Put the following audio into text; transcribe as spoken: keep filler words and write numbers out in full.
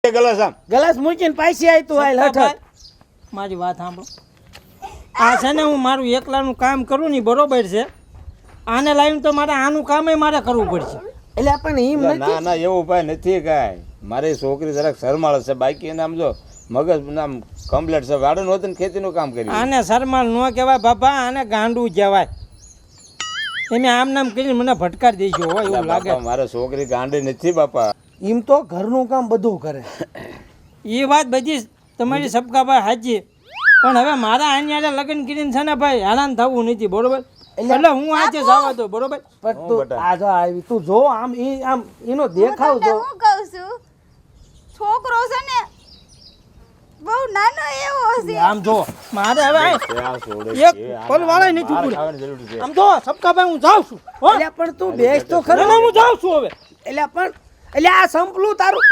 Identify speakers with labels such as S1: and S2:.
S1: Glass આમ
S2: glass મૂકીને પાછી આવી તું હાલ હઠ
S3: મારી વાત સાંભળો. આ છે ને હું મારું એકલાનું કામ કરું ને બરોબર છે. આને લાવીને તો મારે આનું કામ મારે કરવું પડશે.
S2: એટલે આપણને એમ
S1: ના
S2: નથી
S1: ના એવું ઉપાય નથી કાંઈ. મારી છોકરી જરાક શરમાળ છે, બાકી એને આમ જો મગજ નામ કમ્પ્લેટ છે. વાડું હોત ને ખેતીનું કામ કર્યું.
S3: આને શરમાળ ન કહેવાય બાપા, આને ગાંડું કહેવાય. એને આમ નામ કરીને મને ભટકાર દેજો હોય એવું લાગે.
S1: બાપા મારે છોકરી ગાંડી નથી બાપા.
S2: એમ તો ઘરનું કામ બધું કરે.
S3: એ વાત બધી તમારી સબકાભાઈ સાચી, પણ હવે મારા આની લગ્ન કરીને છે ને ભાઈ હેરાન થવું નથી, બરોબર? એટલે હું આજે જવા દો, બરોબર?
S2: પણ તું આ જો આવી તું જો આમ ઈ આમ એનો દેખાવ જો.
S4: હું કહું છું છોકરો છે ને બહુ નાનો એવો છે.
S3: આમ જો મારે હવે
S1: આ છોડે
S3: એક
S1: છે, આ
S3: પલ વાળા નથી
S1: માર
S3: પૂરું.
S1: ખાવાની જરૂર છે.
S3: આમ જો સબકાભાઈ હું જાઉં છું હો.
S2: એટલે પણ તું બેસ તો
S3: ના,
S2: ખરો.
S3: ના, હું જાઉં છું હવે.
S2: એટલે પણ એટલે આ સંપલું તારું